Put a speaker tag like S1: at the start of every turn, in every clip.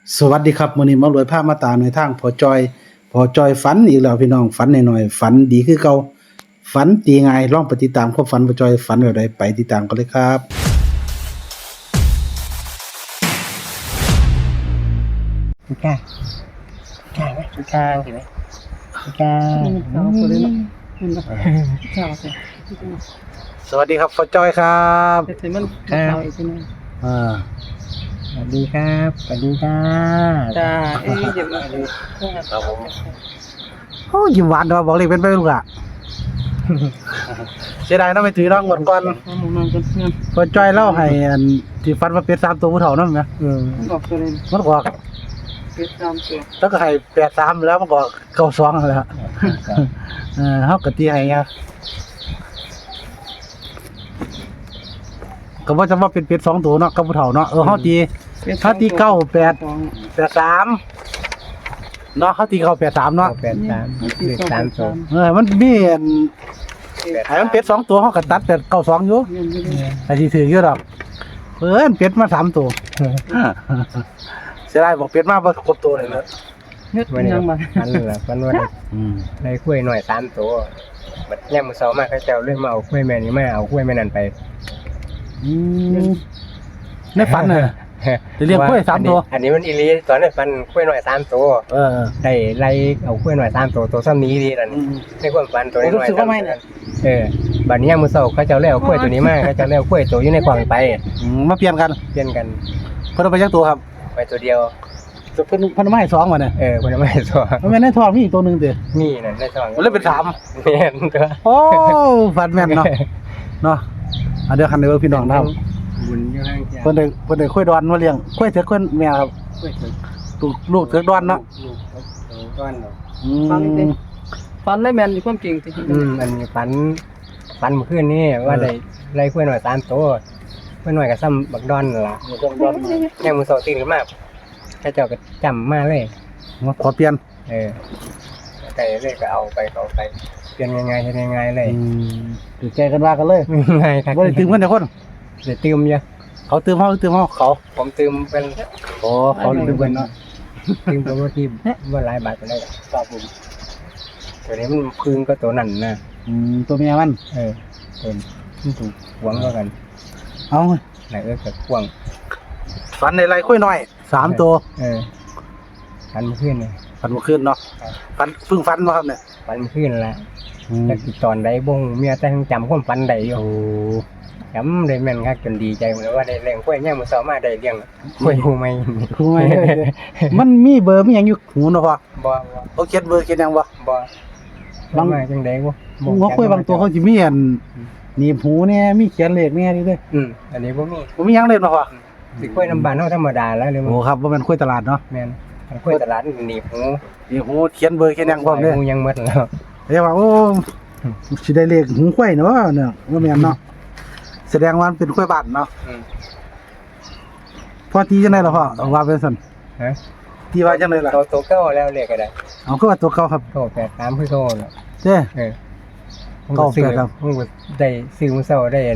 S1: สวัสดีครับมื้อนี้มารวยภาพมาตามในทางพอจอยฝันอีกแล้วพี่น้องฝันหน่อยๆฝันดีคือเก่าฝันดีง่ายลองไปติดตามความฝันพอจอยฝันแบบใดไปติดตามกันเลยครับ
S2: พี่ก้าพี่ก้าไหมพี่ก้าเห็นไหมพี่ก้า
S1: สวัสดีครับพอจอยครับ
S2: ครับ
S1: อ่า
S2: สวัสดีครับสวัสดีจ้า
S3: จ้าเอ้ยเดี๋ยวมา
S2: ครับผม
S1: โอ้ยิ้มหวานเนาะบอกเลยเป็นไปลูกอ่ะเสียดายเนาะไม่ถือน้องหมดก่อน
S3: เอาหมูนอนกันเงิน
S1: พอจอยเล่าให้อันที่ฝันว่าเป็ด3ตัวผู้เฒ่านำแหม
S3: บอกตัวเลย
S1: มันก็
S3: เป็ดตามตัว
S1: แล้วก็ให้83แล้วมันก็92นั่นแหละเฮาก็ตีให้อ่ะก็ว่าจะว่าเป็นเป็ด2ตัวเนาะกับผู้เฒ่าเนาะเฮาตี98 83เนาะเฮาตี93เนาะ
S2: แปดสามเลข3ตัว
S1: มันมีอันให้มันเป็ด2ตัวเฮาก็ตัดเป็ด92อยู่
S3: เงินไม่ได้
S1: ไอ้สิถืออยู่ดอกเป็ดมา3ตัวเสียดายบอกเป็ดมาบ่ครบตัวเลยเนาะ
S3: เงิน
S2: วันนี้
S3: ยังมา
S2: พันละพันว่าได้กล้วยหน่อย3ตัวบัดย่ำมือเสามาเขาเจ้าเลื่อนมาเอากล้วยแม่นี้มาเอากล้วยแม่นั่นไป
S1: ในฝันน่ะเรียกกล้วย3ตัว
S2: อันนี้มันอีลีตอนนั้นฟันกล้วยหน่อย3ตัวได้ไล่เอากล้วยหน่อย3ตัวตัวซ้ำนี้ดีนั่นในความฝันตัวนี้หน่อยบัดนี้ย่ำมือเสาเขาเจ้าเลี้ยวกล้วยตัวนี้มาเขาเจ้าเลี้ยวกล้วยตัวอยู่ในกล่องไป
S1: มาเปลี่ยนกัน
S2: เปลี่ยนกัน
S1: เพิ่นเอาไปจักตัวครับ
S2: ไปตัวเดียว
S1: เพิ่นมาให้2มาเนี่ย
S2: เพิ่นไม่ตัว
S1: มันแม่นในท้องมีอีกตัวนึงติ
S2: นี่นั่นได้สอง
S1: มันเลยเป็น3
S2: แม่นตัว
S1: โอ้ฝันแม่นเนาะเดี๋ยวคันเด้อพี่น้องนะครับ
S2: บุญอยู่ข้างจ้า
S1: เพิ่นได้กล้วยดอนมาเลี้ยงกล้วยเถือกกล้วยแม่ครับ
S2: กล้วยตัว
S1: ลูกเถือกดอนเนาะ
S2: ลูกก้อนเนาะ
S3: ฟันได้แมนมีความจริงจริง
S2: อันนี้ฝันเมื่อคืนนี่ว่าได้ไล่กล้วยหน่อย3ตัวกล้วยหน่อยก็ซ้ำบักดอนนั่นล่ะแค่มือเสาตื่นขึ้นมาเขาเจ้าก็จำมาเลย
S1: มาขอเปลี่ยน
S2: ไก่เลยก็เอาไปเปลี่ยนง่ายๆเฮ็ดง่ายๆเลย
S1: ถือใจกันว่ากันเลย
S2: ง่ายครับ
S1: บ่ได้ตื่มกันแต่คน
S2: เดี๋ยวตื่มเยอะ
S1: เขาตื่มเฮาเขา
S2: ผมตื่มเป็น
S1: โอ้เขาตื่มกันเนาะ
S2: ตื่มตัวที่ว่าหลายบาทก็ได้ครับผมตัวนี้มันพึ่งก็ตัวนั่นนะ
S1: ตัวเมียมัน
S2: ตัวมันถูกหวงก็กัน
S1: เอา
S2: ไหนกับหวง
S1: ฝันในไรกล้วยน้อย3ตัว
S2: ฝันเมื่อคืนเลย
S1: ฝันเมื่อคืนเนาะฝันเพิ่งฝันมาครับเนี่ย
S2: ฝันเมื่อคืนแหละแต่ตอนใดบงเมียแต่ยังจำความฝันใดอยู่
S1: โอ้
S2: จำได้แม่นคักจนดีใจเลยว่าได้เลี้ยงกล้วยเนี่ยมือสาวมาได้เลี้ยงกล้วยหูไหม
S1: คุยมันมีเบอร์มีหยังอยู่หูเนาะพ่อ
S2: บ่
S1: เขาเขียนเบอร์เขียนหยังบ่
S2: บางมาจังได๋บ่
S1: หัวกล้วยบางตัวเขาสิมีอันหนีบหูเนี่ยมีเขียนเลขเนี่ยนี่เด้อ
S2: อันนี้บ่มี
S1: บ่มีหยังเลยเนาะพ่อ
S2: สิกล้วยน้ำบานเฮาธรรมดาแล้วเลย
S1: โอ้ครับบ่แม่นกล้วยตลาดเนาะ
S2: แม่นกล้วยตลาดหนีบหู
S1: นี่หูเขียนเบอร์เขียนหยังพร้อมเด้อ
S2: หูยังหมดแล้ว
S1: เรียกว่าโอ้สิได้เลขหูกล้วยเนาะเนี่ยบ่แม่นเนาะแสดงว่ามันเป็นกล้วยบ้านเนาะพอตีจังได๋ล่ะพ่อเอาว่าเป็นซั่น
S2: ฮะ
S1: ตีว่าจังได๋ล่ะ
S2: ตัวเก่าแล้วเลขก็ได้
S1: เอาคือว่าตัวเก่าครับ
S2: โต83คือโตแล้ว
S1: เด้
S2: ผมก็ได้ซื้อมื้อเช้าได้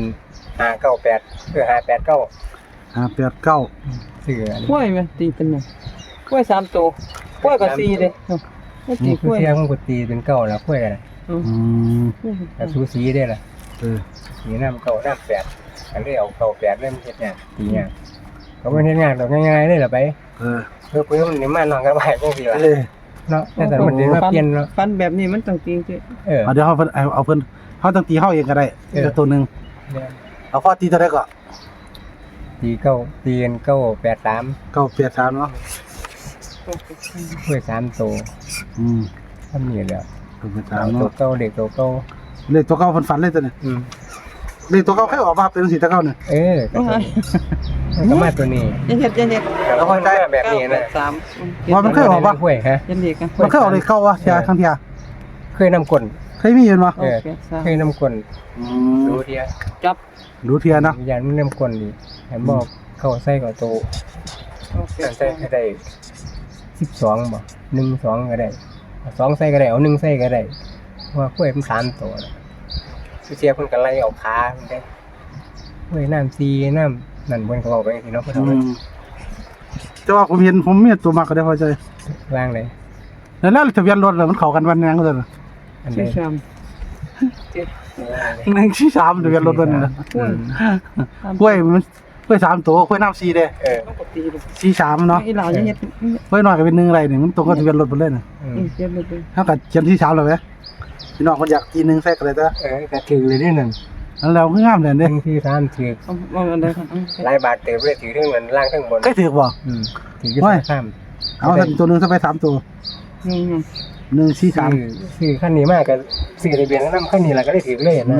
S2: 598589
S1: 589
S2: ซื้ออัน
S3: กล้วยไหมตีเป็นไงกล้วย3ตัวกล้วยกับ4เลยไม่ตีก
S2: คือ
S3: ล้วย
S2: เที่ยงผมก็ตีเป็นเก่าแล้วกล้วยอะไร
S1: อืม
S2: แต่สูสีได้ล่ะ
S1: เออ
S2: สีน้ำเก่าน้ำ8อันนี้เอาเก่า8เล่มเฮ็ดงานตีงานก็บ่เฮ็ดงานดอกง่ายๆเลยล่ะไป
S1: เออ
S2: เพิ่นมันนี่มานอนกับบ้านจังซี่ล่ะ
S1: เออ
S2: เนาะแต่มันได้มาเปลี่ยนเนาะ
S3: ฟันแบบนี้มันต้องจริงจริง
S1: เอาเดี๋ยวเฮาเพิ่นเอาเพิ่นเฮาต้องตีเฮาเองก็ได้อีกตัวหนึงเอาพอตีเท่าใดก็
S2: ตีเก่าตีกัน983
S1: 983เนาะ
S2: กล้วย3ตัว
S1: อืม
S2: ทำนี่แหละ
S1: 983
S2: ตัว
S1: เนาะ
S2: เก่าเด็กตัวเก่า
S1: เลขตัวเก่าเพิ่นฝันเลยตัวนี้เลขตัวเก่าเคยออกมาเป็นจังซี่แต่เก่าเนี่ย
S2: ก็มาตัวนี้
S3: เย็ด
S2: แล้วก็ได้แบบนี้นะ
S3: 3
S1: ว่ามันเคยออกปะ
S2: กล้วยฮะ
S3: ยันเด็กกัน
S1: มันเคยออกเลขเก่าวะเที่ยครั้งเที่ย
S2: เคยนำกล
S1: เคยมีเห็นบ่
S2: เคยนำกล
S1: อื
S2: ดู
S1: ม
S2: เดียว
S3: จับ
S1: ดูเที่ยเนาะ
S2: ยันมันนำกลดีแถมบอกเข้าใส่กับโตใส่ก็ได้12บ่1 2ก็ได้2ใส่ก็ได้เอา1ใส่ก็ได้ว่ากล้วยมัน3ตัวเสียเพิ่นก็ไล่เอาขาเพิ่นได้กล้วยน้ำซีน้ำนั่นเพิ่นก็เอาไปสิเนาะเพิ่น
S1: อื
S2: เอาไป
S1: มแต่แต่ว่าผมเห็นผมมีตัวมักก็ได้พอใจ
S2: ล่างเลย
S1: แล้วทะเบียนรถมันเข้ากันวันยังก็ได้
S2: อัน
S3: ชื่
S2: นี้
S3: อชาม
S1: 143ทะเบียนรถมันน่ะ
S3: กล้วย
S1: กล้วยมันกล้วย3ตัวกล้วยน้ำ4เด้
S3: ปกติเลย
S1: 43เนาะ
S3: ไอ้เหล่าเนี่ยเฮ็ด
S1: กล้วยน้อยก็เป็น1ไรนี่มันตรงกับทะเบียนรถเพิ่นเลยน่ะ
S3: เฮ็ดเลย
S1: เฮาก็เขียน43แล้วแหมพี่น้องเพิ่นอยากทีนึงใส่ก็ได้แต่
S2: ก็ถือเลยนี่นั่น
S1: อันแล้วคืองามเลยเด้
S2: 143ถือ
S3: เอาอันใดครับ
S2: หลายบาทเต็มเลยถือทั้งเงินล่างทั้งบน
S1: เคยถือบ่
S2: ถืออยู่ข้าม
S1: เอาสักตัวนึงซะไป3ตัว
S3: นี่
S1: 143
S2: ซื้อขั้นนี้มากก็ซื้อทะเบียนแล้วนำขั้นนี้แล้วก็ได้ถือเลยนะ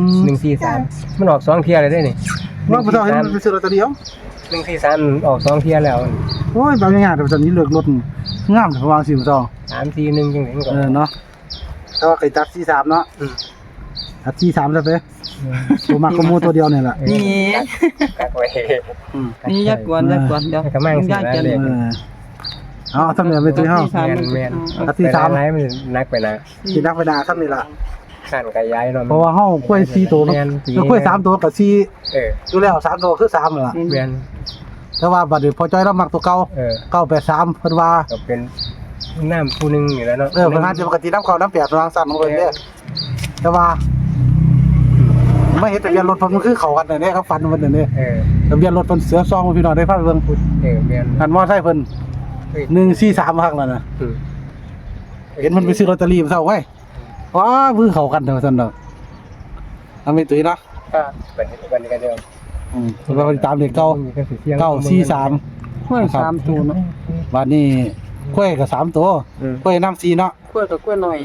S2: 143มันออก2เที่ยเลยได้นี่
S1: ว่าบ่ต้องเห็นมันซื้อลอตเตอรี่เอา
S2: 143ออก2เที่ยแล้ว
S1: โอ้ยบางอย่างแต่ตอนนี้เลือกรถงามแต่วางสิบ่ต้อง
S2: 341จังได๋มันก็
S1: เนาะแต่ว่าไก่ตัด43เนาะตัด43ซะไปตัวมักก็มูตัวเดียวนี่แหละ
S3: นี่
S2: กักไว้
S3: นี่ยักกวนเดี๋ยว
S2: ก็มั่งสิ
S3: ยาก
S2: แล้ว
S3: จะ
S2: เลย
S1: เอาทำเนี่ยไปตื้อเฮา
S2: แม่น
S1: ตัดที่สาม
S2: ไรมันนักไปนะ
S1: สินักไปนาทำนี่ล่ะ
S2: ขั้นก็ย้ายเนาะ
S1: เพราะว่าเฮากล้วย4ตัวเนาะกล้วย3ตัวกับ4อยู่แล้ว3ตัวคือ3นั่นล่ะ
S2: แม่น
S1: แต่ว่าบัดนี้พอจ้อยเรามักตัวเก่า983เพิ่นว่า
S2: ก็เป็นน้ำผู้นึงนี่แหล้วเนาะ
S1: เพิ่นหาจะปกติน้ำเข้าน้ำ8วางสั่นของเพิ่นเด้แต่ว่าไม่เห็นทะเบียนรถเพิ่นมันคือเข้ากันนั่นเด้ครับฟันเพิ่นนั่นเด้ทะเบียนรถเพิ่นเสือซองพี่น้องได้พาไปเบิ่ง
S2: แม่น
S1: อันมอไซค์เพิ่น143ฮักนั่นน่ะเห็นมันไปซื้อลอตเตอรี่มาเซาไว้ว้ามือเข้ากันเด้อซั่นดอกเอาไปตุ้ยเนาะ
S2: ก็เป็นกันเดียว
S1: เพิ่นว่าตามเลขเก่า943
S3: กล้วย3ตัวเนาะ
S1: บัดนี้กล้วยก็3ตัวกล้วยน้ำ4เนาะ
S3: กล้วยกับกล้วยหน่อย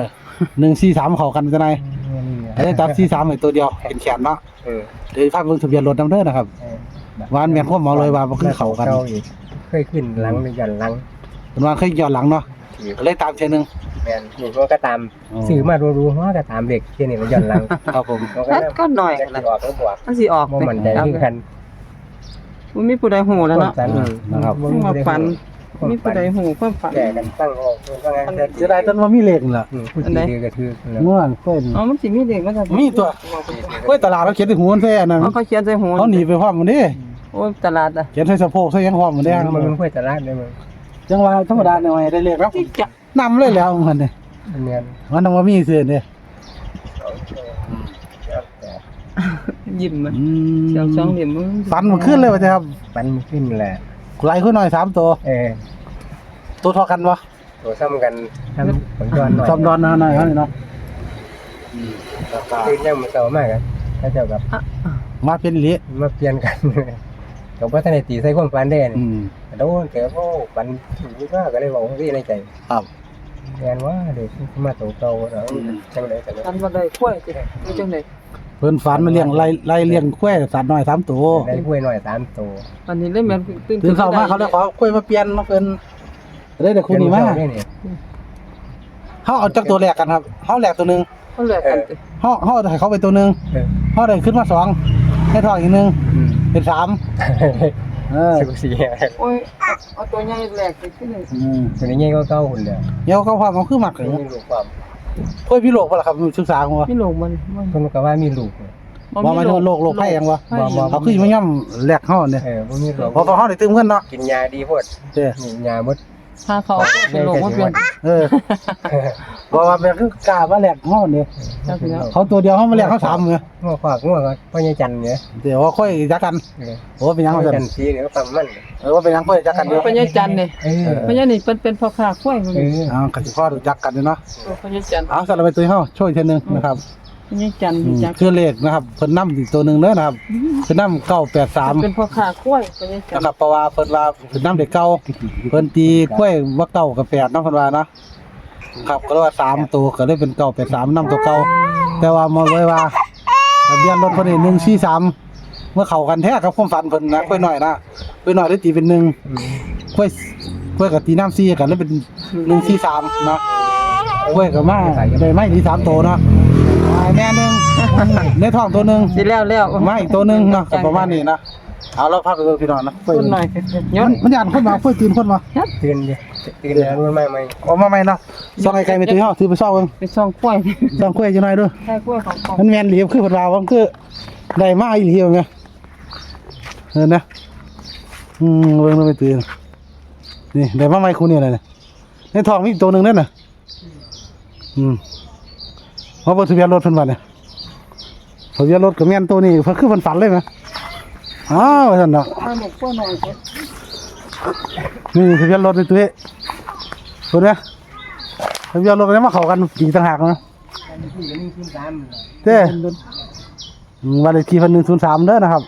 S1: 143เข้ากันจังได๋ได้ตัด43ให้ตัวเดียวเป็นแขนเนาะเดี๋ยวพาเบิ่งทะเบียนรถนำเด้อนะครับวานแม่นความหมอเลยว่าบ่คือเข้ากัน
S2: เคยขึ้นหลังหรือยันหลัง
S1: เพิ่นว่าเคยย้อนหลังเนาะก็เลยตามเทื่อนึง
S2: แม่นนี่มันก็ตามซื้อมารู้ๆว่าก็ตามเด็กที่นี่มันยันหลัง
S1: ครับผม
S3: ก็หน่อย
S2: จะออกก็บวก
S3: มันสิออก
S2: บ่มั่นใจคือกัน
S3: มันมีผู้ใดฮู้แล้วเนาะ
S1: นะครับ
S3: มาฝันมีผู้ใดฮู้ความฝัน
S2: แก่กันตั้งออกว่าไง
S1: เสียดายตอนว่ามีเลขนั่นล่ะ
S2: ผู้ที่ก็คือ
S1: ง่วงกล้วย
S3: อ๋อมันสิมีเด็กมันจะ
S1: มีตัวกล้วยตลาดเขาเขียนที่หูมันแท้อันนั้น
S3: เขาเขียนใส่หัว
S1: เขาหนีไปพร้อมมันเด้
S3: โอ้ตลาดอ่ะ
S1: เขียนใส่สะโพกใส่หยังพร้อมมันเด้
S2: มันค่อยตลาดได้มั้ง
S1: จังว่าธรรมดาหน่อยได้เลขแล้ว
S3: ที่จะ
S1: นำเลยแล้วมันนี่
S2: เนียน
S1: มันต้องว่ามีซื่อนี่
S3: ยิ้มมัน
S1: อืม
S3: เสียงสองเหลี่ยมมือ
S1: ฟันมันขึ้นเลยว่าจะครับ
S2: ปันขึ้นแหละ
S1: ไหลขึ้นหน่อย3ตัวตัวเท่ากันบ่
S2: ตัวซ้ำกันทำผลย้อนหน่อย
S1: จอมดอนหน่อยเนาะ
S2: คือยังมันเก่ามากอ่ะถ้าเจ้ากับ
S1: มาเป็นอีหลี
S2: มาเปลี่ยนกันกับว่าท่านในตีใส่ความฝันได้
S1: อื
S2: นี่
S1: ม
S2: โดนแต่ว่าฝันถึงว่าก็เลยบอกว่าที่ในใจ
S1: ครับ
S2: แทนว่าเด็กมาโตโตแล้วจังเลยแต่
S3: กันบ่ได้กล้วยสิมีจังได๋
S1: เพิ่นฝันมาเลี้ยงไล่เลี้ยงกล้วยสัตว์น้อย3ตัว
S2: ได้กล้วยหน่อย3ตัว
S3: อันนี้เลยแม่นตื่น
S1: ตื่นเช้ามาเขาเลยขอกล้วยมาเปลี่ยนมาเพิ่นได้แต่คู่นี้มาเฮาเอาจักตัวแรกกันครับเฮาแรกตัวนึง
S3: เขาแลกกัน
S1: เฮาให้เขาไปตัวนึงเฮาได้ขึ้นมา2ให้ทองอีกนึงเป็น3
S2: สุกสี
S3: โอ้ยเอาตัวใหญ่แลกไปที่นึง
S2: ตัวนี้ก็เก้าหุ่นเลย
S1: เดี๋ยวเขาพามันคือมักเลย
S2: มีลูกความ
S1: กล้วยพี่โลกบ่ล่ะครับศึกษาของว่า
S3: มีโลกมัน
S2: คนก็ว่ามีลูก
S1: บ่มาโลกไผยังวะเขาคือมาย่ำแลกเฮาเนี่ย
S2: บ่มีลูก
S1: พอเฮาได้ตึมเงินเนาะ
S2: กินยาดีโพด
S1: เด้อ
S2: ยาหมด
S3: ถ้าเขาเป็นโลกมันเป็น
S1: บ่ว่าเป็นคือกล้ามาแลกเฮาเนี่ย
S3: จังซี่แล้ว
S1: เขาตัวเดียวเฮามาแลกเขา3เนี่ย
S2: งัวฝากงัวก็พ่อใหญ่จันเนี่ย
S1: เดี๋ยวว่าค่อยจักกันโอ้เป็นหยัง
S2: พ่อ
S1: ว่า
S2: จั
S1: ซั่
S2: น
S1: น
S2: สีเนี่ยก็ปั๊มมัน
S1: ว่าเป็นหยังค่อยจักกันเด้อ
S3: พญาจันทร์นี่พญานี่เป็นพ่อค้ากล้วยมัน
S1: ก็สิพอรู้จักกันเนาะ
S3: พญาจันทร์
S1: เอาสำหรับไปตัวเฮาช่วยอีกทีนึงนะครับ
S3: พญาจันทร์จัก
S1: คือเลขนะครับเพิ่นนำอีกตัวนึงเด้อนะครับเพิ่นนำ983
S3: เป็นพ่อค้ากล้วยพญาจันท
S1: นะ
S3: ร์
S1: ครับเพราะว่าเพิ่นว่าเพิ่นนำเด็กเก่าเพิ่นตีกล้วยว่าเก่ากับ8เนาะเพิ่นว่าเนาะครับก็เลยว่า3ตัวก็เลยเป็น983นำตัวเก่าแต่ว่ามาไว้ว่าทะเบียนรถเพิ่นนี่143เมื่อเข้ากันแท้กับความฝันเพิ่นนะกล้วยน้อยนะกล้วยน้อยได้ตีเป็น1กล้วยก็ตีน้ำ4กันเลยเป็น143เนาะกล้วยก็มาได้ไม้ที่3ตัวเนาะแม่นึงในท้องตัวนึง
S3: สิแล้ว
S1: มาอีกตัวนึงเนาะก็ประมาณนี้นะเอาแล้วพาไปเบิ่งพี่น้องนะกล้วย
S3: คนหน่อยย้อน
S1: มันย่านคนมากล้วยตื่นคนมา
S2: ตื่นแล้วมันไม่
S1: ออกมาใหม่เนาะซ่องไอ้ไก่ไม่ตื้อเฮาถือไปซ่องเบิ่ง
S3: ไปซ่องกล้วย
S1: ซ่องกล้วยจังหน่อยเด้อ
S3: แค่กล้วยของ
S1: มันแม่นอีหลีคือเพิ่นว่าว่ามันคือได้มาอีหลีว่าแม่เออนะเบิ่งแล้วไม่ตื่นนี่ได้มาใหม่คู่นี่เลยเนี่ยในท้องมีอีกตัวหนึงนั่นน่ะเพราะว่าทะเบียนรถเพิ่นว่าเนี่ยทะเบียนรถก็แม่นตัวนี้เพิ่นคือเพิ่นฝันเลยมั้ยอ้าวว่าซั่นเนาะ
S3: ถ้าหนูก็หน่อยสิ
S1: นี่ทะเบียนรถนี่ตัวนี้เพิ่นนะทะเบียนรถก็มาเข้ากันอีกต่างหากนะ
S2: อันนี้คือ1ขึ้น3เลย
S1: เด้วันเลขที่เพิ่น103เด้อนะครับ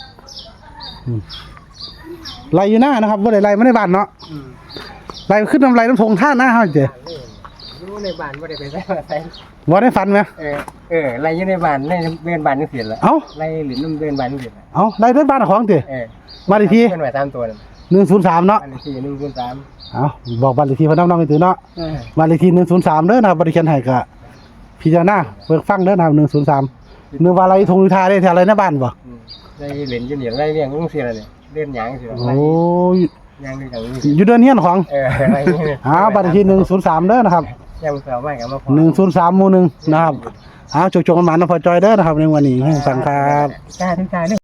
S1: ไล่อยู่หน้านะครับบ่ได้ไล่มาในบ้านเนาะไล่ขึ้นน้ำน้ำทงท่าหน้าเฮาเจ้
S2: รู้ในบ้านบ่ได้ไปใส่ใส่
S1: บ่ได้ฝันไหม
S2: ไล่อยู่ในบ้านในเดินบ้านจังซี่ล่ะ
S1: เอ้า
S2: ไล่หลินนำเดินบ้านจังซี่ล่ะ
S1: เอาไล่เดินบ้านของเจ้บ้านเลขที่
S2: เพิ่นไว้3ตัวนั่น
S1: 103เนาะ
S2: บ้านเลขที่1ขึ้น3
S1: เอาบอกบ้านเลขที่เพิ่นน้องๆกันตื่นเนาะบ้านเลขที่103เด้อนะครับบ่ได้เขียนให้ก็พิจารณาเบิ่งฟังเด้อนะครับ103นึกว่าอะไรทงทาได้แถวอะไรในบ้านบ่
S2: ไล่หลินอยู่นี่ไล่เลี้ยงจังซี่ล่ะเนี่ยเดินหยังจังซี่ล่ะ
S1: โอ้ย
S2: หยังจังซี่
S1: อยู่เดือนเฮียนของ
S2: ไล่
S1: บ้านเลขที่103เด้อนะครับ
S2: ยังเสาไม้ก็มาพอ
S1: 103หมู่1นะครับจกๆกันมานะพอจอยเด้อนะครับในวันนี้ให้ฟังครับ
S2: กล้าถึงกล้าเด้อ